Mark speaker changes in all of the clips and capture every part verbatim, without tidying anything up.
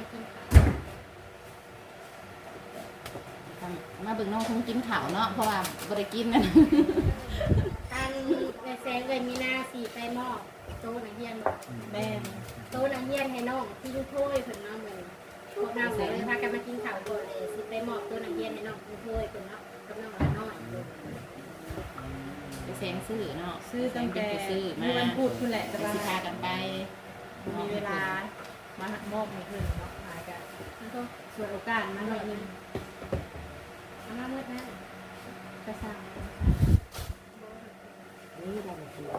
Speaker 1: กินข้าว
Speaker 2: มาเบิ่งน้องคงกินข้าวเนาะเพราะว่าบ่ได้กินนั่น
Speaker 1: อันในแสงเลยมีหน้าสีไปหม้อโต๊ะนักเรียน
Speaker 2: แม่น
Speaker 1: โต๊ะนักเรียนให้น้องที่ลูกถ้วยเพิ่นเนาะมื้อพวกเราเลยพากันมากินข้าวก่อนเลยสิไปมอบโต๊ะนักเรียนให้น้องลูกถ้วยเพิ่นเนาะกับน้องละน้อย
Speaker 2: ไปแซงซื้อเนาะ
Speaker 3: ซื้อตั้งแต่
Speaker 2: ไปซื้อมา
Speaker 3: วันพูดคุณแหละแต่
Speaker 2: ไป
Speaker 3: ว่า
Speaker 2: สิพากันไป
Speaker 3: มีเวลามามอบให้เพิ่นเนาะหายกัน
Speaker 1: แล้วก็
Speaker 3: ส่วนโอกาสมาหน่อยหนึง
Speaker 1: เอามาเมื่อนั้น
Speaker 3: กระซัง
Speaker 2: นี่ได้เลยคือ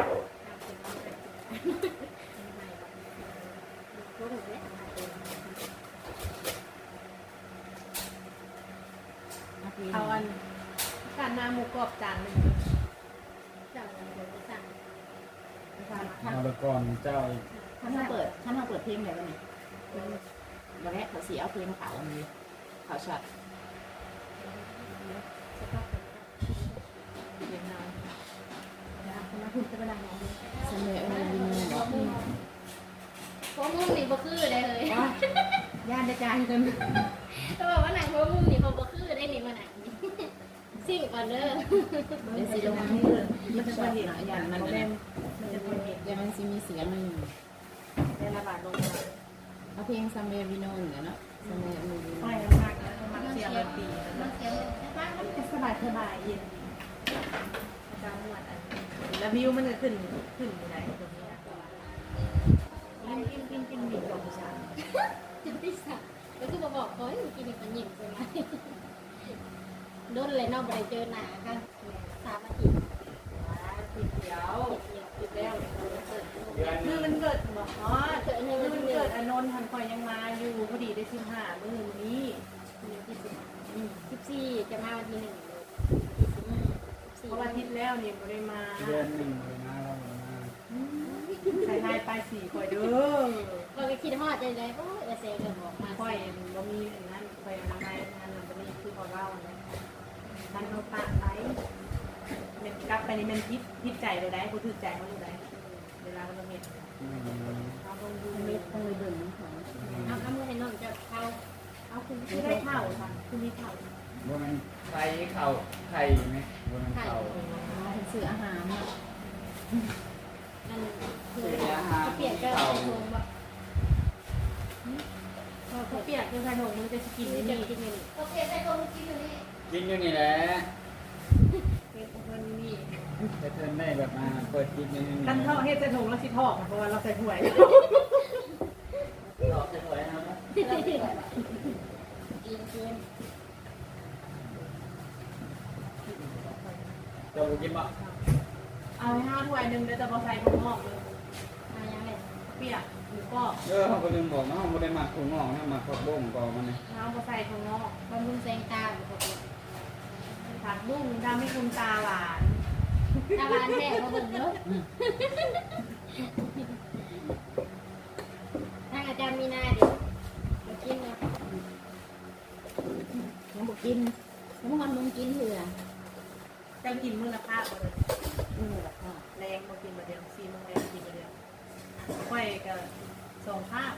Speaker 3: เอาอันการน้ำหมูกรอบจานหนึ่ง
Speaker 1: สั่งเดี๋ยวจะสั่ง
Speaker 4: เอาไปก่อนเจ้าอีก
Speaker 2: ถ้าเราเปิดถ้าเราเปิดเพลงแบบนี้วันแรกเขาสีเอาเพลงขาวอันนี้ขาวช็อต
Speaker 3: เวียดนามนะคะคณะคุณจะไปนั่งมองดู
Speaker 2: เสนอเออวินเนาะ
Speaker 1: โค้งมุ้งนี่บ่คือได้เลย
Speaker 3: ย่านได้จานกัน
Speaker 1: เขาบอกว่าหนังโค้งมุ้งนี่เขาบ่คือได้นี่มาหนังสิ่งก่อนเด้อ
Speaker 2: เป็นสีลงให้มันจะเห็นอย่างมัน
Speaker 3: แม่นมันจะพอเห็น
Speaker 2: เดี๋ยวมันสิมีเสียงหนึ่ง
Speaker 3: ได้ระบาดลงมา
Speaker 2: เอาเพลงซัมเมอร์วินโน่เนาะซัมเมอร์วินโน่
Speaker 3: ค่อยมากนะมันเสียงมันตี
Speaker 1: มันเสียงบ้านมัน
Speaker 3: สบายสบายเย็นอาจารย์หมวดอันแล้ววิวมันจะขึ้นขึ้นอยู่ไหนตรงนี้อ่ะกินกินกินกินมีลมชา
Speaker 1: จิตติสัตว์แล้วก็มาบอกเขาให้กินอีกมันหยิ่งใช่ไหมโดนเลยนอกไปเจอหนาค่ะสามอาทิตย์
Speaker 3: ติดเดียวติดแล้ว
Speaker 4: เดือนห
Speaker 3: มื
Speaker 4: นึ
Speaker 3: อง มันเกิดบอกอ๋อ
Speaker 1: เกิดใน
Speaker 3: มื
Speaker 1: วั
Speaker 3: อน มัน
Speaker 1: เกิ
Speaker 3: เกิ
Speaker 1: ด
Speaker 3: ดอนนท์ทันคอยยังมาอยู่พอดีได้สิบห้ามือนี้
Speaker 1: สิบสี่จะมาวันที่หนึ่งเลย
Speaker 3: เพราะว่าทิศแล้วเนี่ยไม่ได้มา
Speaker 4: เดือนหนึ่งเลยนะเราเลยนะ
Speaker 3: ใส่ทายไปสี่คอยเด้อ
Speaker 1: ก็ไปคิดฮอดใจเลยโอ้ยเซลล์บอกมา
Speaker 3: คอยบ่มีอันนั้นคอยอนามัยงานนั้นบ่มีคือพอเล่านะท่านเขาปากไปมันกลับไปนี่มันพิษพิษใจเลยได้ผู้ถือใจเขาอยู่ได้เวลาเราเห็น
Speaker 4: อืม
Speaker 3: เราต้องดู
Speaker 2: เม็ดต้องเลยเบิ่งของ
Speaker 1: เอาเอามือให้น้องจะเข้า
Speaker 3: เอาคุณไม่ได้เท่าค่ะคุณมีเท่า
Speaker 4: ว่ามันไข่เข่าไข่ไหมว่ามันเข่า
Speaker 2: เป็นสื่ออาหารเนาะ
Speaker 1: นั่นคือเขาเปลี่ยนก็ทงว่า
Speaker 3: พอเขาเปียกคือขนมมันจะกิน
Speaker 1: กิน
Speaker 3: นี่
Speaker 1: จะกินนี่โอเคใส่ทงกินอยู่นี่
Speaker 4: กินอยู่นี่แหละ
Speaker 3: เป็นคนนี่
Speaker 4: แต่เธอได้แบบมาเปิดกินอยู่นี่
Speaker 3: กันทอดเฮ็ดจะถุงละสิทอดเพราะว่าเราใส่ถ้วย
Speaker 4: หลอกจะสวยนะครับ
Speaker 1: กินกิน
Speaker 4: เจ้ากินบ่
Speaker 3: เอาห้าถ้วยหนึ่งเดี๋ยวจะมาใส่ถุงงอกเลย
Speaker 1: มายังไง
Speaker 3: เปียกหมูกรอบ
Speaker 4: เออเขาก็ลืมบอกนะเขาไม่ได้หมักถุงงอกนะหมักผักบุ้งก่อนมันนี่
Speaker 3: น้ำก็ใส่ถุงงอก
Speaker 1: บำรุงแสงตาหรือเปล่า
Speaker 3: ผักบุ้งทำให้คุณตาหวาน
Speaker 1: ตาบานแท้เขาเบิ่งเนาะถ้าอาจารย์มีนาเดี๋ยวมากินเนาะ
Speaker 2: น้องบอกกินน้องมันมึงกินเถื่อ
Speaker 3: จะกินมื้อละภาพเลย
Speaker 2: นี่แหละค่ะ
Speaker 3: แรงมากินมาเดียวซีโมงแรงกินมาเดียวค่อยกับสองภาพ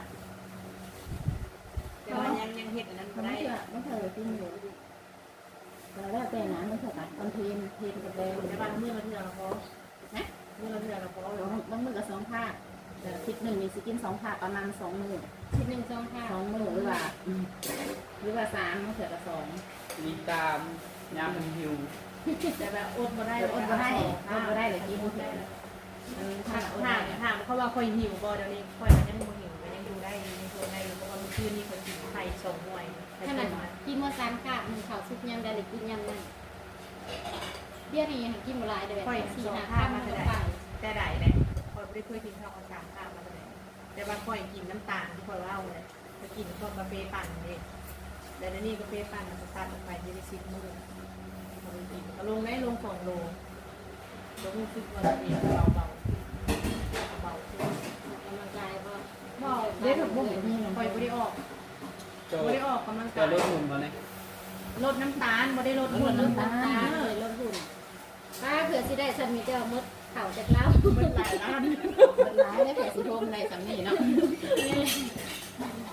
Speaker 3: แต่ว่ายังยังเห็ดอันนั้น
Speaker 2: มัน
Speaker 3: ได้
Speaker 2: เถื่อมันเถื่อกินอยู่แต่แล้วแต่นะมันเถื่อตัดตอนเพลนเพลนกับแดง
Speaker 3: แต่บางมื้อละเทื่อเราพอนะมื้อละเทื่อเราพอบ
Speaker 2: างมือกับสองภาคแต่ทิศหนึ่งมีสกินสองภาคประมาณสองมือ
Speaker 1: ชิ้นหนึ่งสองห้า
Speaker 2: สองมือหรือว่าหรือว่าสามมันเถื่อกับสอง
Speaker 4: มีตามยามมันหิว
Speaker 3: แต่แบบอดมาได้
Speaker 2: อดมาได้อดมาได้เลยกินเถื่อ
Speaker 3: ถามถามถามเขาว่าคอยหิวบ่เดี๋ยวนี้คอยมันยังบ่หิวมันยังดูได้ยังดูได้เพราะว่าเมื่อคืนนี้คนกินไข่สองหน่วยไข่
Speaker 1: ข
Speaker 3: ส
Speaker 1: นา
Speaker 3: อ
Speaker 1: ด
Speaker 3: งหน่วย
Speaker 1: กินเมื่อสามขาบหนึ่งข่าวซุปยำได้หรือกินยำนั่นเบี้ยนี่ยังกินหมดหลายเดี๋ยวแบบสี่ห้าข้ามมาจะไป
Speaker 3: แต่ได้เลยคอยไม่ได้เคยกินข้าวสามข้าวมาเลยแต่บางคอยกินน้ำตาลที่คอยเล่าเลยไปกินพวกกาแฟปั่นเลยแต่ในนี้กาแฟปั่นมันจะตัดออกไปยี่สิบมื้อเรากินก็ลงได้ลงสองโลลงรู้สึกว่าเราเองเบาเบาเบาขึ้น
Speaker 1: กำลังกายก็
Speaker 3: เบาได้ถูกบุ้งคอยไม่ได้ออก
Speaker 4: เจ้า
Speaker 3: ไม่ได้ออกกำลัง
Speaker 4: เจ้าก
Speaker 3: าย
Speaker 4: ลดหุ่นมาเลย
Speaker 3: ลดน้ำตาลไม่ได้ลดหุ่น
Speaker 1: ลด
Speaker 3: น้ำตา
Speaker 1: น้ำตา
Speaker 3: ล
Speaker 1: เลยลดหุ่นป้าเผื่อสิได้ฉันมีเจ้ามดเข่าจากเล้า
Speaker 3: เป็นหลายล้าน
Speaker 2: มันร้ายแล้วเผื่อสิโทมในสำนีเนาะ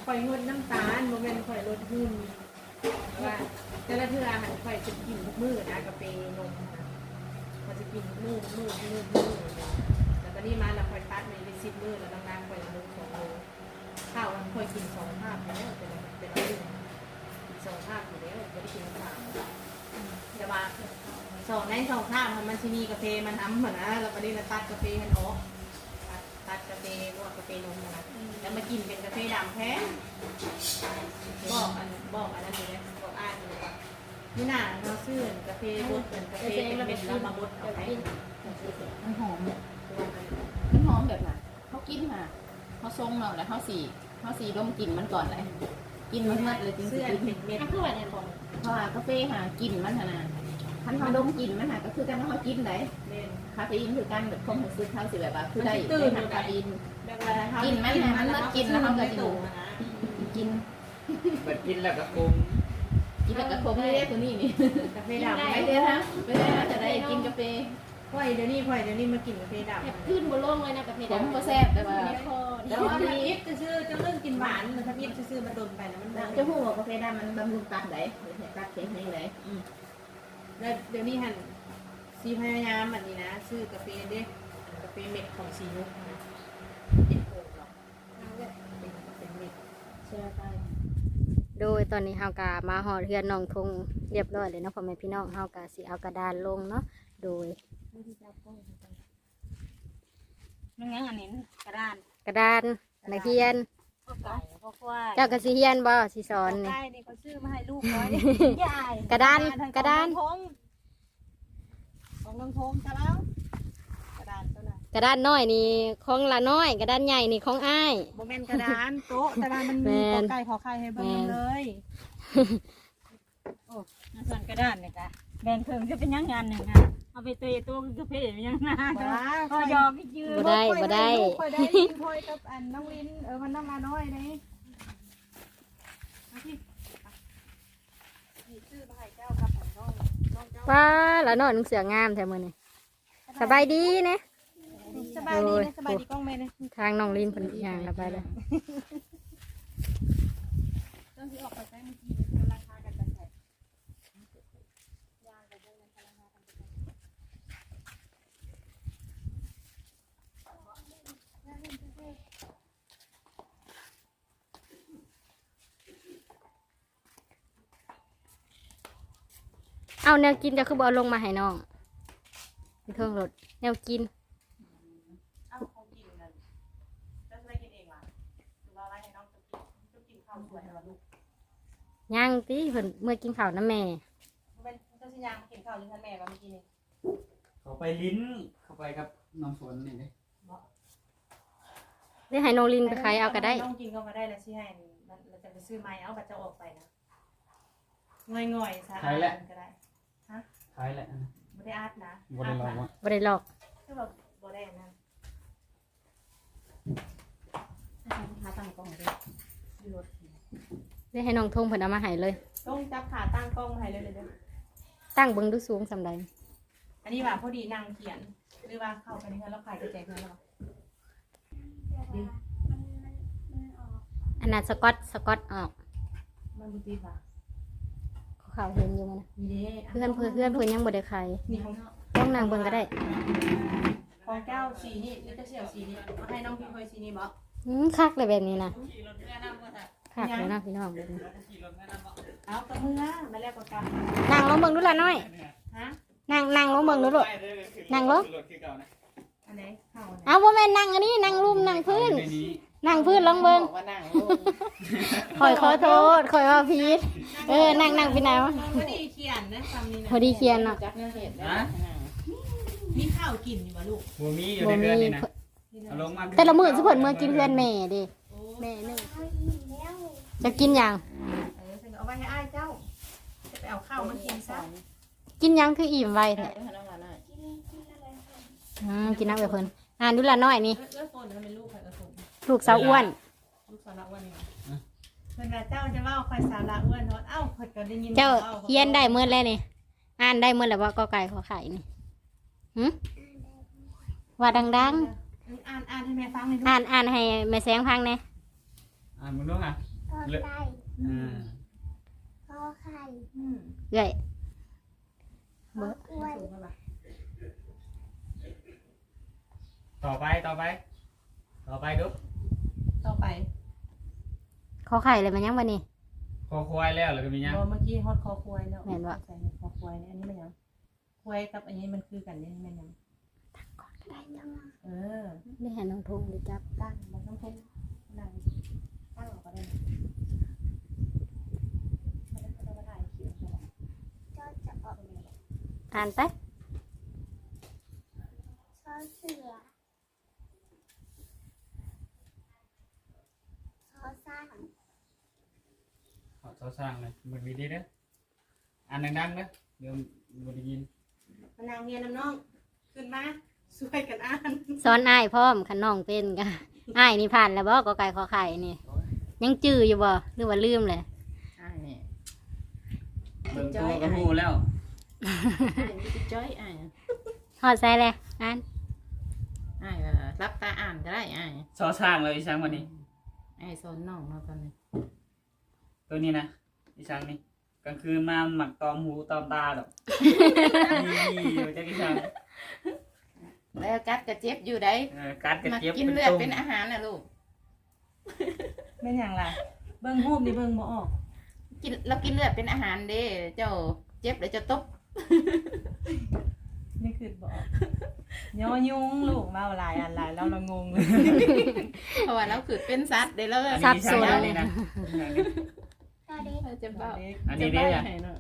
Speaker 3: ข่อยงดน้ำตาลโมเมนต์ข่อยลดหุ้นว่าแต่ละเทื่ออาหารข่อยจะกินทุกมื้อนะกาแฟนมนะข่อยจะกินทุกมื้อทุกมื้อทุกมื้อทุกมื้อเลยแล้วก็นี่มาแล้วข่อยตัดในเป็นสิบมื้อแล้วน้ำน้ำข่อยละมื้อสองมื้อข้าวมันข่อยกินสองภาพแล้วเป็นเป็นมื้อกินสองภาพอยู่แล้วไม่ได้กินสามจะมาสองในสองภาพมันชิมีกาแฟมันทำเหมือนนะแล้วก็นี่เราตัดกาแฟมันออกตัดกาแฟพวกกาแฟนมนะแล้วมากินเป็นกาแฟดำแท้บอกอันบอกอันนั้นเลยบอกอ่านเลยว่านี่น่ะเราซื้อกาแฟบดเป็นกาแฟเป็นเม็ดแล้วมาบดเอาไป
Speaker 2: มันหอมมันหอมแบบไหนเขากินมาเขาทรงเราแล้วเขาสีเขาสีดมกลิ่นมันก่อนเลยกินมันมัดเลยจริง
Speaker 3: เสื้อ
Speaker 2: ๆ
Speaker 3: เป็นเม็ด
Speaker 1: อ่ะคือว่าเนี่ยบอก
Speaker 2: เพราะว่ากาแฟหากลิ่นมันขนาดคันเขาดมกลิ่นมันหาก็คือกันว่าเขากินได้
Speaker 3: เล่น
Speaker 2: คาเฟอีนคือกันแบบความรู้สึกเขาสิแบบว่าคือได้
Speaker 3: มันสิตื่
Speaker 2: ได้
Speaker 3: น
Speaker 2: ทางคาเฟอีน
Speaker 3: แบบว่าเขา
Speaker 2: กินมันน่ะมันเลิศกินแล้วเขาก็จะ
Speaker 3: ตู่นะ
Speaker 2: กิน
Speaker 4: เปิดกินแล้วก็คุม
Speaker 2: กินแบบกระคมนี่ได้ตัวนี้นี่
Speaker 3: กาแฟดำ
Speaker 2: ไป
Speaker 3: ไป
Speaker 2: เลยนะไปเลยนะจะได้กินกาแฟ
Speaker 3: พ่อยเดี๋ยวนี้พ่อยเดี๋ยวนี้มากินกาแฟดำ
Speaker 1: แอบขึ้นบนโลงเลยนะกับเพ
Speaker 2: ผมก็แซ่บแต่ว่า
Speaker 1: มีคอ
Speaker 3: แต่ว่าถ้าอิฟจะซื้อจะเรื่องกินหวานมันถ้าอิฟจะซื้อมาดนไปแล้วมัน
Speaker 2: จะพูดว่ากาแฟดำมันบำรุงตับไหนตับเค็มให้ไหน
Speaker 3: แล้วเดี๋ยวนี้หันซีพยายามแบบนี้นะซื้อกาแฟเด็กกาแฟเม็ดของซีนุกนะเป็นโอ่งหรอกเป็นเป็นเม็ด
Speaker 2: เชื่อไป
Speaker 1: โดยตอนนี้เฮากะมาหอดเฮือนน้องทงเรียบร้อยเลยเนาะพ่อแม่พี่น้องเฮากะสิเอากระดานลงเนาะโดย
Speaker 5: มันยังอันนี้กระดาน
Speaker 1: กระดานนักเรียน
Speaker 5: พวกไก่พวกควาย
Speaker 1: เจ้ากะสิเฮียนบ่สิสอนนี่
Speaker 5: ไก่นี่เขาซื้อมาให้ลูกน้อยยาย
Speaker 1: กระดานกระดาน
Speaker 5: ของของน้องพงษ์ใช่แล้วกระดานเท่านั้น
Speaker 1: กระดานน้อยนี่ของละน้อย กระดานใหญ่นี่ของอ้าย
Speaker 5: โมเมนกระดานโต๊ะกระดานมันมี
Speaker 1: แม่น
Speaker 5: กอไก่ขอไข่ให้เบิ่งเลยโอ้น่าส่วนกระดานเนี่ยกะแบ่งเพิ่มจะเป็นยังงานหนึ่งอ่ะเอาไปเตยตัวกาแฟยังงานพอยอมไปยืน
Speaker 1: บ่ได้บ่ได้
Speaker 5: ค่อยได้ยินค่อยกับอันน้องวินเออมันน้ำมาน้อยนี่เอาที่นี่ซื้อมาให้เจ้ากับของน้องน้องเจ้า
Speaker 1: ว้าละน้อยนุ่งเสืองามแท้มื้อนี้สบายดีนะ
Speaker 5: สบายดีนะสบายดีกล้องแม่นะ
Speaker 1: ทางน้องลินเพิ่นย่างละไปเลย
Speaker 5: ต้องที่ออกไปใช้เมื่อกี้มันราคากันไปใส่ยางกับพวกนั้นราคากันไปใส่
Speaker 1: เอาแนวกินจะคือบ่เอาลงมาให้น้องมีเครื่องรถแนวกิน
Speaker 3: เอ้าเขากินนั่นจะได้กินเองล่ะหรือว่าอะไรให้น้องจะกินจะกินข้าวสวยเหรอลูก
Speaker 1: ย่างติเพิ่นเมื่อกินข้าวน้ำแม่
Speaker 3: มันเป็นเจ้าชิยางกินข้าวยังท่านแม่มาเมื่อกี้นี่
Speaker 4: เขาไปลิ้นเข้าไปกับน้องฝนนี่เลย
Speaker 1: ได้ให้น้องลินไปขายเอาก็ได้
Speaker 3: น้องกินก็มาได้แล้วสิให้มันเราจะไปซื้อไม้เอาบัตรจะออกไปนะง่อยๆซะก็ได้
Speaker 4: ขายแหละ
Speaker 3: ไม่ได้อาร์ตนะ
Speaker 4: บริลองว่า
Speaker 1: บ่ได้หลอก
Speaker 3: คือแบบบ่ได้นะ
Speaker 2: หาตั้งกล้องเลย
Speaker 3: อยู่รถ
Speaker 1: ได้ให้น้องทงเพิ่นเอามาให้เลย
Speaker 3: ต้องจับขาตั้งกล้องมาให้เลยเลยเด้อ
Speaker 1: ตั้งเบิ่งดูสูงสำใด
Speaker 3: อันนี้ว่าพอดีนางเขียนหรือว่าเข้าไปนี่แล้วขายกระแจกเงินแล้ว
Speaker 1: อันนั้นสกอตสกอตออก
Speaker 3: มันบุตรีป่ะ
Speaker 1: เขาเห็นอยู่มั้ยนะ
Speaker 3: นี่เด้
Speaker 1: เพื่อนเพื่อนเพื่อนเพิ่นยังบ่ได้ขาย
Speaker 3: นี่ของ
Speaker 1: ต้องนั่งเบิ่งก็ได้
Speaker 3: ของแก้วสีนี่หรือจะเสี่ยวสีนี่เอาให้น้องพี่เคยสีนี่บ่
Speaker 1: อืมคักเลยแบบนี้นะคักเลยนะพี่น้องแบบนี้
Speaker 3: เอากระเมือมาแล้วก็กำ
Speaker 1: นั่งลงเบิ่งดูล่ะน้อย
Speaker 3: ฮะ
Speaker 1: นั่งนั่งลงเบิ่งดูลูก นั่งลง
Speaker 3: อันไหนเข้าอันไหน
Speaker 1: เอาบ่แม่นนั่งอันนี้นั่งลุ่มนั่งพื้น นั่งพื้นลองเบิ่ง
Speaker 2: บอกว่านั่งลง
Speaker 1: ข่อยขอโทษข่อยว่าผิดเออนั่งนั่งพี่นาว
Speaker 3: พอดีเขียนนะคำนี้นะ
Speaker 1: พอดีเขียนเนาะ
Speaker 2: จักเนื้อเห็ด
Speaker 4: นะ
Speaker 3: มีข้าวกินอยู่บ่ลูก
Speaker 4: หัวมีอยู่ในเดือนนี่นะเอาลงมา
Speaker 1: แต่ละมื้อสิเพิ่นมื้อกินเพื่อนแม่เด้แม่นึงจะกินหยัง
Speaker 3: เออฉันเอาไว้ให้อ้ายเจ้า จะไปเอาข้าวมากินซะ
Speaker 1: กินหยังคืออิ่มไวแท้
Speaker 2: ให้น้องหลานหน่อย
Speaker 1: อืมกินน้ำกับเพิ่นอ่านดูล่ะน้อยนี่
Speaker 3: เอื้อโฟนเขาเป็นลูกใครกระสุน
Speaker 1: ลูกสาวอ้วน
Speaker 3: ลูกสาวละอ้วนนี่เพื่อนว่าเจ้าจะว่าใครสาวละอ้วนเนาะเอ้าเพิ่นก็ได้ยิน
Speaker 1: เจ้าเฮียนได้เมื่อแล้วนี่อ่านได้เมื่อแล้วว่ากอไก่ขอไข่นี่หึว่าดัง
Speaker 3: อ่านอ่านให้แม่ฟังหน่อย
Speaker 1: ๆ อ่านอ่านให้แม่แสงฟังแหน่
Speaker 4: อ่านมึงด้วยอ่ะ
Speaker 6: พอไก่
Speaker 4: อ่า
Speaker 6: พอไข่
Speaker 3: อืม
Speaker 1: เอ้ย
Speaker 6: พอกล้วย
Speaker 3: สูงป่ะ
Speaker 4: ต่อไปต่อไป ต่อไปดู
Speaker 3: ต่อไป
Speaker 1: ขอไข่เลยมันยังบ่นี่
Speaker 4: คอควายแล้วแล้วก็มีหยัง
Speaker 3: เมื่อกี้ฮอดคอควายแล้ว
Speaker 1: แม่นบ่
Speaker 3: ใส่คอควายเนี่ยอันนี้มันยังควายกับอันนี้มันคือกันเนี่ยมันยัง
Speaker 6: ได้จัง
Speaker 3: เออ
Speaker 1: ได้ให้น้องทงได้จับ
Speaker 3: ตั้งมันต้องพุ่งนั่งตั้งออกก็ได้แล้วก็ถ่ายคลิปไป
Speaker 6: ก็จะออก
Speaker 1: อ่านไป
Speaker 6: ซอเสือซอสร้าง
Speaker 4: ขอสร้างเลยมันมีดีเด้ออ่านดังๆเด้อเดี๋ยวบ่ได้ยิน
Speaker 3: มานางเมียน้ำน้องขึ้นมาช่วยกันอ่าน
Speaker 1: สอนอ้ายพร้อมคันน้องเป็นกะอ้ายนี่ผ่านแล้วบ่กอไก่ขอไข่นี่ ยังจื้ออยู่บ่หรือว่าลืมเลย
Speaker 2: อ้ายนี่
Speaker 4: เบิ่งตัวก็ฮู้แล้ว
Speaker 2: อ้ายมีจิตจ้อยอ้าย
Speaker 1: ฮอดใส่เลยอ่าน
Speaker 2: อ้ายก็รับตาอ่านก็ได้อ้าย
Speaker 4: ซอสร้างเลยอีช้างวันนี้
Speaker 2: อ้ายสอนน้องเนาะตอนนี้
Speaker 4: ตัวนี้นะอีช้างนี่กลางคืนมาหมักตอมหูตอมตาดอกนี่อยู่จักอีช้าง
Speaker 2: แล้วกัดกระเจ็บอยู่ได้
Speaker 4: เออกัดกระ
Speaker 2: มา
Speaker 4: เจี๊ยบ
Speaker 2: กิน
Speaker 4: เป็น
Speaker 2: เลือด
Speaker 4: ตุ่ม
Speaker 2: เป็นอาหารนะลูก
Speaker 3: เป็นอย่างไรเบิ้งรูปนี่เบิ้งบ่ออก
Speaker 2: กินเรากินเลือดเป็นอาหารเด้เจ้าเจ็บแล้วจะตบ
Speaker 3: นี่คือบ่ออกย่อยุงลูกเมาหลายอันหลายแล้วเรางงเลย
Speaker 2: เพราะว่าเราคือเป็นสัตว์เด้แล้ว
Speaker 4: อัน
Speaker 1: สั
Speaker 4: นี้
Speaker 1: บ
Speaker 4: อี
Speaker 1: ส
Speaker 4: ช้าง
Speaker 1: น
Speaker 4: อัน
Speaker 1: เล
Speaker 4: นี้
Speaker 1: ย
Speaker 4: นะ
Speaker 6: ก็เด็ก
Speaker 2: จะเบา
Speaker 4: อันนี้เด้อ
Speaker 2: ให้เนาะ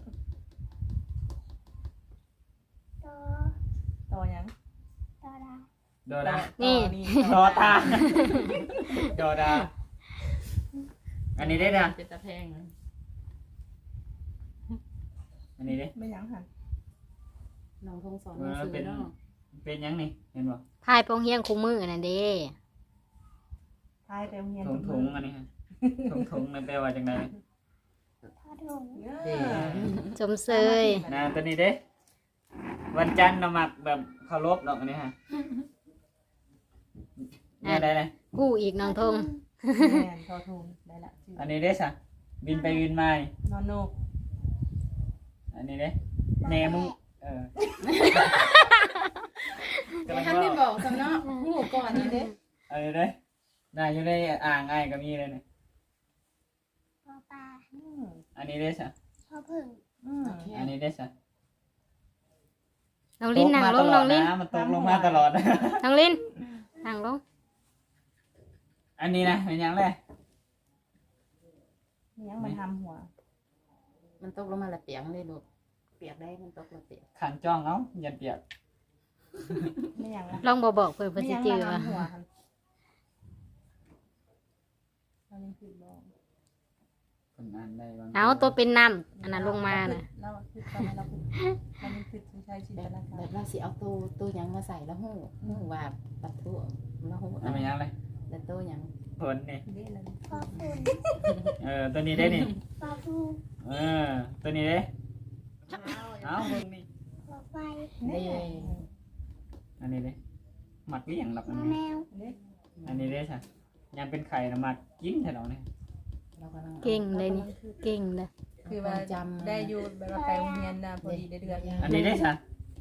Speaker 6: โต
Speaker 3: ต่อยัง
Speaker 6: โตดา
Speaker 4: โดดา
Speaker 1: นี่
Speaker 4: ดอตาดอดา อันนี้ได้อนะ
Speaker 2: เป็นตะแพงนะ
Speaker 4: อันนี้เด้อ
Speaker 3: ไม่ยังหัน
Speaker 2: น้องคงสอนหนังสือเนาะ
Speaker 4: เป็นหยังนี่เห็นบ่
Speaker 1: พายโปงเฮียงคู่มือนั่นเด้
Speaker 3: พายเต็มเงียน
Speaker 4: ถุงถุงอันนี้ฮะถุงถุงนั่นแปลว่าจังได
Speaker 6: ทอดถุง
Speaker 3: เออ
Speaker 1: สมเสย
Speaker 4: นะตัวนี้เด้อวันจันทร์เรามักแบบเคารพดอกอันนี้ฮะนี่ได้เลย
Speaker 1: กู้อีกน้องทง
Speaker 3: แม่นทอทุงได้ละชื่อ
Speaker 4: อันนี้เด้อสะบินไปบินมานี่
Speaker 3: นอนโนก
Speaker 4: อันนี้เด้อแหนมึงเออ
Speaker 2: แต่ท่านไม่บอกสำเนาะหูก่อนนี่เด้
Speaker 4: อันนี้เด้อน่าอยู่ในอ่างไอ้ก็มีเลยนี่
Speaker 6: พอปลา
Speaker 3: อืม
Speaker 4: อันนี้เด้อสะ
Speaker 6: พอผึ่ง
Speaker 3: อืม
Speaker 4: อันนี้เด้อสะ
Speaker 1: น้องลิ้นนั่งลง
Speaker 4: ตกมาต
Speaker 1: น้องลิ้น
Speaker 4: นะมันตกลงมาตลอด
Speaker 1: น้องลิ้นนั่งลง
Speaker 4: อันนี้นะเป็นหยังไง
Speaker 3: ยังมันทำหัว
Speaker 2: มันตกลงมาละเปียกเลยลูกเปียกได้มันตกละเปียก
Speaker 4: ขังจ้องเอ้าอย่าเปียก
Speaker 3: ไม่ยังละ
Speaker 1: ลองบอกบอกเพื่อนเพื่อน
Speaker 3: ไม่
Speaker 1: สิ
Speaker 3: ยัง
Speaker 1: จื้อ
Speaker 3: มา
Speaker 1: ว่า
Speaker 3: ทำหัวครับเรายังคือบอก
Speaker 4: คนอ่านได้บาง
Speaker 1: เอาตัวเป็นน้ำอันนั้นลงมาน่ะ
Speaker 3: เราคือตอนนั้นเราคือเราเป็นคือใช้จิน
Speaker 2: แบ
Speaker 3: ต
Speaker 2: บ
Speaker 3: นา
Speaker 2: แบ
Speaker 3: การ
Speaker 2: บเราสิเอาตัวตัวหยังมาใส่แล้วหูหูว่าปัดทั่วแล้วหู
Speaker 4: อันเป็นหยังไง
Speaker 2: แล้วตัวหยัง
Speaker 4: ผลนี่
Speaker 3: เด้เลย
Speaker 6: พอฝุ่น
Speaker 4: เออตัวนี้ได้นี่
Speaker 6: พอฟู
Speaker 4: เออตัวนี้เด้เอาเบิ่งนี่
Speaker 6: พอไฟ
Speaker 2: เด้
Speaker 4: อันนี้เด้หมักเลี้ยงหลับอัน
Speaker 6: มะ
Speaker 4: นี้
Speaker 6: แมว
Speaker 3: เด้
Speaker 4: อันนี้เด้ใช่ยังเป็นไข่นะหมักกินแถวนี้
Speaker 2: เรากำลัง
Speaker 1: เก่งเลยนี่เก่งเลย
Speaker 3: คือว่าจำได้อยู่แบบว่าไปโรงเรียนนะพอดีได้เดือน
Speaker 4: อันนี้ได้ใช่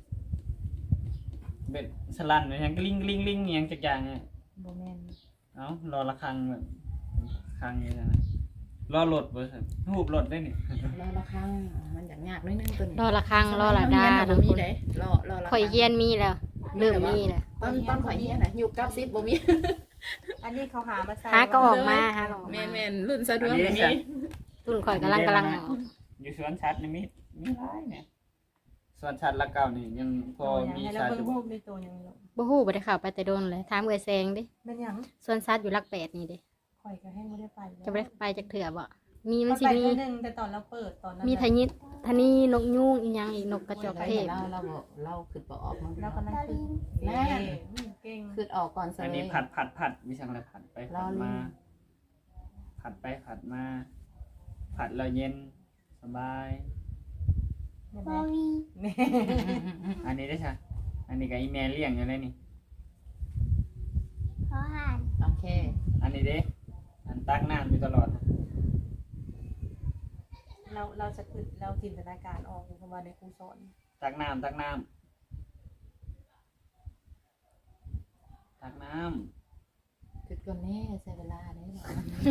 Speaker 4: เบ็ดสลันเลยยังกลิ้งกลิ้งกลิ้งยังจักอย่างเนี่ย
Speaker 3: โบแมน
Speaker 4: เอ้ารอละครังแบบครังอย่างนี้นะรอหลดเบอร์สันหูบหลดได้นี่
Speaker 2: รอละครั้งมันอย่างยากนิดนึงตัวนี้
Speaker 1: รอละครังรอละดา
Speaker 2: น้
Speaker 1: น้
Speaker 2: อ
Speaker 1: อง ง
Speaker 2: มี
Speaker 1: คน
Speaker 2: ได้รอรอละ
Speaker 1: ข่อยเฮียนมีแล้วเริ่มมีแล้ว
Speaker 2: ตอนตอนข่อยเฮียนน่ะอยู่กับซิบบ่มี
Speaker 3: อันนี้เขาหามาใส่
Speaker 1: หาก็ออกมาหาก็ออก
Speaker 2: แม่
Speaker 1: มาน
Speaker 2: แม่นรุ่นสะดวกมี
Speaker 1: รุ่นข่อยกำลังกำลังออก
Speaker 4: อยู่สวนสัตว์นี่มีมีหลายเนี่ยสวนสัตว์ละเก่านี่ยังพอมี
Speaker 3: ให้เรา
Speaker 4: สัตว์
Speaker 3: เบิ่
Speaker 4: อง ยู่
Speaker 3: รูปในตัวยังอยู่
Speaker 1: บ่ฮู้บ่ได้เข้าไปแต่โดนเลยถามเอื้อแซงดิ
Speaker 3: เป็นยัง
Speaker 1: สวนสัตว์อยู่หลักแปดนี่เด้
Speaker 3: ข่อยก็แห้งไม่ได้ไป
Speaker 1: จะบ่ได้ไปจักเถื่อบ่มีมัน
Speaker 3: มัน
Speaker 1: สิ
Speaker 3: ไป
Speaker 1: มี
Speaker 3: เท่านึงแต่ตอนเราเปิดตอนนั้น
Speaker 1: มีทะยิดทะนีนกยูงอีหยังอีกนกกระจอกเทศ
Speaker 2: เราเราบอกเราคือบ่ออกมัน
Speaker 3: เราก็นั่ง
Speaker 6: ตอ
Speaker 3: คือ
Speaker 6: ลิง
Speaker 3: แม่เก่ง
Speaker 2: คือออกก่อนซะ
Speaker 4: อัน
Speaker 2: เล
Speaker 4: นี้
Speaker 2: ย
Speaker 4: ผัดผัดผัดวิชังอะไรผัดไป
Speaker 2: รอ
Speaker 4: ผัด
Speaker 2: ลิง
Speaker 4: มา ผัดไปผัดมา ผัดแล้วเย็นสบาย
Speaker 6: บอวี
Speaker 3: แม่
Speaker 4: อันนี้ได้ใช่อันนี้กับอีเมลเลี้ยงอยู่เลยนี่
Speaker 6: พอห่าน
Speaker 2: โอเค
Speaker 4: อันนี้เด้อันตักน้ำอยู่ตลอด
Speaker 3: เราเราจะคือเราจินตนาการออกอยู่คำว่าในครูสอน
Speaker 4: ตักน้ำตักน้ำตักน้
Speaker 2: จุดก่อนแน่ใช้เวลาได้หรอ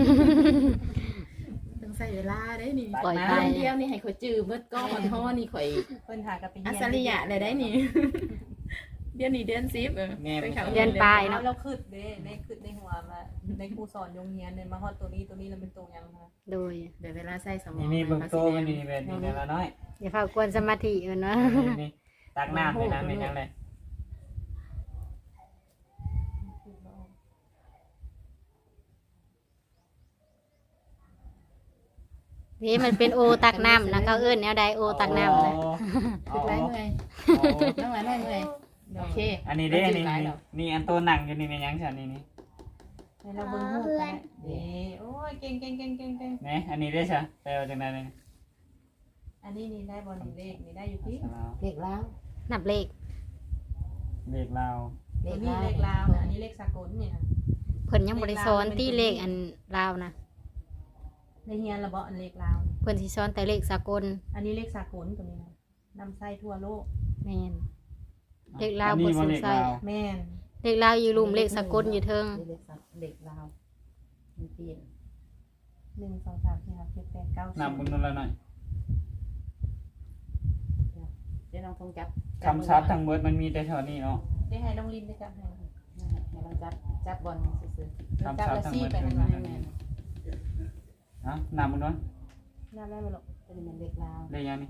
Speaker 2: ต้องใช้เวลาได้นี่
Speaker 4: ำตัก
Speaker 1: ปล่อย
Speaker 4: น้
Speaker 1: ไป
Speaker 2: เดือนเดียวนี่ให้ข่อยจื้อเบิดก้อนห่อนี่ข่อย
Speaker 3: เพิ่นหากับไป
Speaker 2: อั
Speaker 3: เฮียน
Speaker 2: ศริยะเลยได้นี่ เดือนนี้เดือนสิบเออไปเขา
Speaker 1: เดือนปลายเนาะ
Speaker 3: เราคืดเด้ในคืดในหัวมาในครูสอนโรงเรียนเนี่ยมาฮอดตัวนี้ตัวนี้แล้วเป็นตัวยังคะ
Speaker 1: โดย
Speaker 2: เดี๋ยวเวลาใส่สม
Speaker 4: ำ
Speaker 2: อง
Speaker 4: นี่นี่เบิ่งโตมันนี่แบบนี้แต่ละน้อย
Speaker 1: อย่าพากวนสมาธิมันเนาะ
Speaker 4: นี่นี่ตักน้ำเลยนะเป็นยังไง
Speaker 1: นี่มันเป็นโอตักน้ำนะเขาเอิ้นแนวใดโอตักน้ำนะ
Speaker 2: จุดไรเมื่อยน้องหลานน้อยเมื่อยโอเค
Speaker 4: อันนี้เด้นี่นี่นี่อันโตหนังอยู่นี่เป็นยังฉันนี่นี่
Speaker 3: ให้เราเบิ่งรูปกันเด้โอ้ยเก่งเก่งเก่งเก่งเก่ง
Speaker 4: นี่อันนี้ได้ใช่แปลว่าจังได๋นี่
Speaker 3: อันนี้นี่ได้บอลเลขนี่ได้อยู่ที่
Speaker 2: เด็กแล้ว
Speaker 1: นับเลข
Speaker 4: เลขลาว
Speaker 3: ตัวนี้เลขลาวนะอันนี้เลขสากลเนี่ย
Speaker 1: เพิ่นยังบ่ได้สอนตีเลขอันลาวนะ
Speaker 3: ในเฮียนระเบาะอันเลขลาว
Speaker 1: เพิ่นสิสอนแต่เลขสากล
Speaker 3: อันนี้เลขสากลตัวนี้นะนำไส้ทั่วโลก
Speaker 1: แม่น เลขลาว
Speaker 4: อันนี้
Speaker 1: บ่
Speaker 4: บ่
Speaker 1: สง
Speaker 4: เลข
Speaker 1: สัย
Speaker 4: ลาว
Speaker 3: แม่น
Speaker 1: เลขลาวอยู่ลุ่มเลขสากลอยู่เทิง
Speaker 2: เด็กสักเด็กลาวมันเปลี่ยน
Speaker 3: หนึ่งสองสามสี่ห้าเจ็ดแปดเก้าสิบ
Speaker 4: นับบุญนู่นละหน่อย
Speaker 2: เดี๋ยวน้องทงจับ
Speaker 4: คำศัพท์ทั้งหมดมันมีแต่เท่านี้เนาะ
Speaker 3: ได้ให้น้องลินได้จับให้
Speaker 2: ให้น้องจับจับบอลซื้อ
Speaker 4: คำศัพท์ทั้งหมดคือ
Speaker 2: ๆ
Speaker 4: มัน
Speaker 2: แม่
Speaker 4: เอ้านับบุญนู่น
Speaker 3: น้ำได้ไหมลูก
Speaker 2: เป็นเหมือนเด็กลาว
Speaker 4: ได้ยังนี่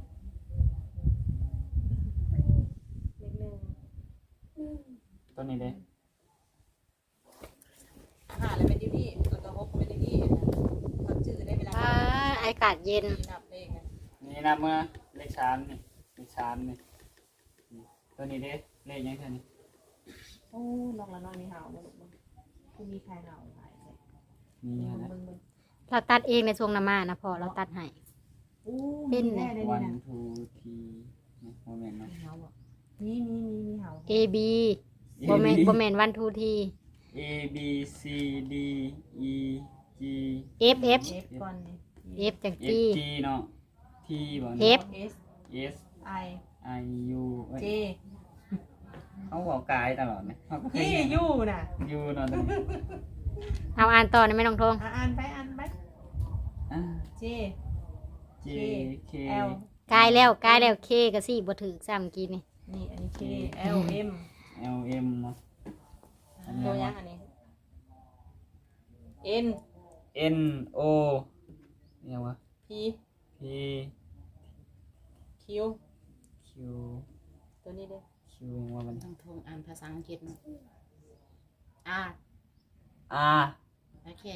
Speaker 3: เลขหนึ่ง
Speaker 4: ตัวนี้เด้
Speaker 3: ห้าแล้วเป็นที่นี่แล้วก็หกเป็นที่นี่เขาจืดได้เวลา
Speaker 1: อ่าอากาศเย็น
Speaker 3: นับเลขนะ
Speaker 4: นี่นับเมื่อเลขสามนี่เลขสามนี่ตัวนี้เด้เลขยังเท่านี้
Speaker 3: โอ้น้องละน้อยมีเห่าบ่ลูกบ่คือมีใครเห่าหลายเลย
Speaker 4: มี
Speaker 3: เบิ่ง
Speaker 4: นะ
Speaker 3: เบิ่งเบิ่ง
Speaker 1: เราตัดเองในช่วงน้ำมานะพอเราตัดให้
Speaker 3: อู้
Speaker 1: เป็น
Speaker 3: แน่เลย
Speaker 4: วั
Speaker 3: นี่
Speaker 4: น
Speaker 3: นะ
Speaker 4: ทูทีโมเมนต์เนาะ
Speaker 2: เฮาบ่
Speaker 3: มีมีมีมีเห่า
Speaker 1: A B บ่แม่นบ่แม่นวันทูที
Speaker 4: A B C D E G
Speaker 1: F F
Speaker 3: เอฟก่อนนี่
Speaker 1: F จัง
Speaker 4: F
Speaker 1: กี้
Speaker 4: G เนาะ T บ่
Speaker 1: F
Speaker 3: S
Speaker 4: S
Speaker 3: I
Speaker 4: I U เอ้ย
Speaker 3: J
Speaker 4: เขาบอกกายตลอดนะเขาก็เคย
Speaker 3: ที่
Speaker 4: เห็น
Speaker 3: อยู่น่ะ
Speaker 4: ยูเนาะตรงนี้
Speaker 1: เอาอ่านต่อนะแม่น้องทง
Speaker 3: อ่ะอ่านไปอ่านไป
Speaker 4: อ่า
Speaker 3: J
Speaker 4: J K
Speaker 3: L
Speaker 1: กายแล้วกายแล้ว K ก็สิบ่ถึกซ้ำกี้นี่
Speaker 3: นี่อันนี้ K L M
Speaker 4: L M เนาะอันนี้
Speaker 3: ตัวยั
Speaker 4: วะ
Speaker 3: งอันนี้ N
Speaker 4: N O ยังวะ
Speaker 3: P
Speaker 4: P
Speaker 3: Q
Speaker 4: Q
Speaker 3: ตัวนี้เด้อ
Speaker 4: Q ยังว่ามัน
Speaker 2: น้องทงอ่านภาษาอังกฤษนะR
Speaker 4: R
Speaker 2: โอเค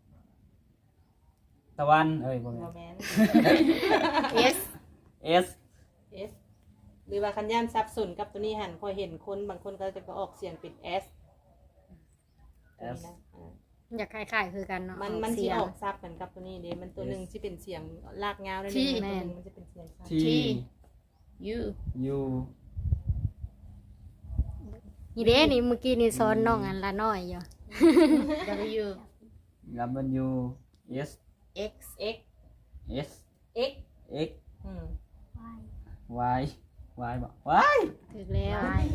Speaker 4: ตะวันเอ้ยบ่แม่
Speaker 3: โม
Speaker 4: น
Speaker 3: แมน
Speaker 2: S
Speaker 4: S
Speaker 3: S หรือว่าคันย่านซับสนกับตัวนี้หันพอเห็นคนบางคนก็จะก็ออกเสียงเป็น S ตัวนี้นะอ่า
Speaker 1: อยากคล้ายๆคือกันเนาะ
Speaker 3: มันมัน
Speaker 1: เสี
Speaker 3: ที่
Speaker 1: ยง
Speaker 3: ออกซับกันกับตัวนี้เด้มันตัวหนึ่งที่เป็นเสียงลากงาวได้เลย
Speaker 2: ที่
Speaker 3: ตัวหนึ่งมันจะเป็นเสียงซับ
Speaker 4: T
Speaker 2: U
Speaker 4: U
Speaker 1: นี่เด้นี่เมื่อกี้นี่สอนน้องอันละน้อยอยู่
Speaker 2: W
Speaker 4: W S
Speaker 2: X
Speaker 3: X
Speaker 4: S
Speaker 3: X
Speaker 4: X
Speaker 3: อืม
Speaker 4: Y Y บ่ Y
Speaker 1: ถึกแล้ว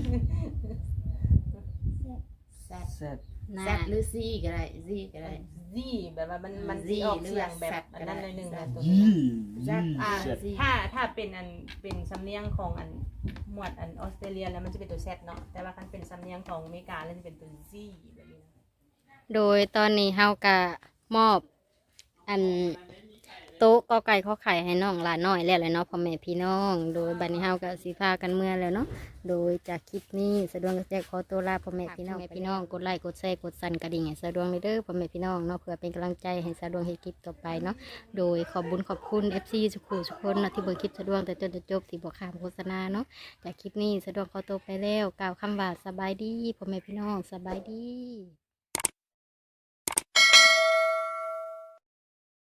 Speaker 2: Z
Speaker 4: Z
Speaker 1: น่า
Speaker 2: Z หรือ C ก็ได้ Z ก็ได้
Speaker 3: Z แบบว่ามันมัน
Speaker 2: Z
Speaker 3: สิออกเสียง
Speaker 2: หรือ
Speaker 3: แบบ
Speaker 2: ว่า
Speaker 3: อันนั้นหน่อยหนึ่งนะตัว
Speaker 4: ยี่
Speaker 3: นี้
Speaker 2: Z
Speaker 3: อ่า
Speaker 2: Z
Speaker 3: ถ้าถ้าเป็นอันเป็นสำเนียงของอันหมวดอันออสเตรเลียแล้วมันจะเป็นตัว Z เนาะแต่ว่าคันเป็นสำเนียงของอเมริกาแล้วจะเป็นตัว Z แบบนี้นะ
Speaker 1: โดยตอนนี้เฮาก็มอบ อันโต๊ะกอไก่ข้อไข่ให้น้องหลานน้อยแล้วแหละเนาะพ่อแม่พี่น้อง โดยบัดนี้เฮาก็สิพากันเมื่อแล้วเนาะโดยจากคลิปนี้สะดวงก็จะขอตัวลาพ่อแม่พี่น้องพี่น้องกดไลค์กดแชร์กดสั่นกระดิ่งให้สะดวงเลยเด้อพ่อแม่พี่น้องเนาะเพื่อเป็นกำลังใจให้สะดวงเฮ็ดคลิปต่อไปเนาะโดยขอบบุญขอบคุณ เอฟ ซี ทุกคู่ทุกคนเนาะที่เบิ่งคลิปสะดวงแต่จนจะจบที่บ่ข้ามโฆษณาเนาะจากคลิปนี้สะดวงขอตัวไปแล้วกล่าวคำว่าสบายดีพ่อแม่พี่น้องสบายดี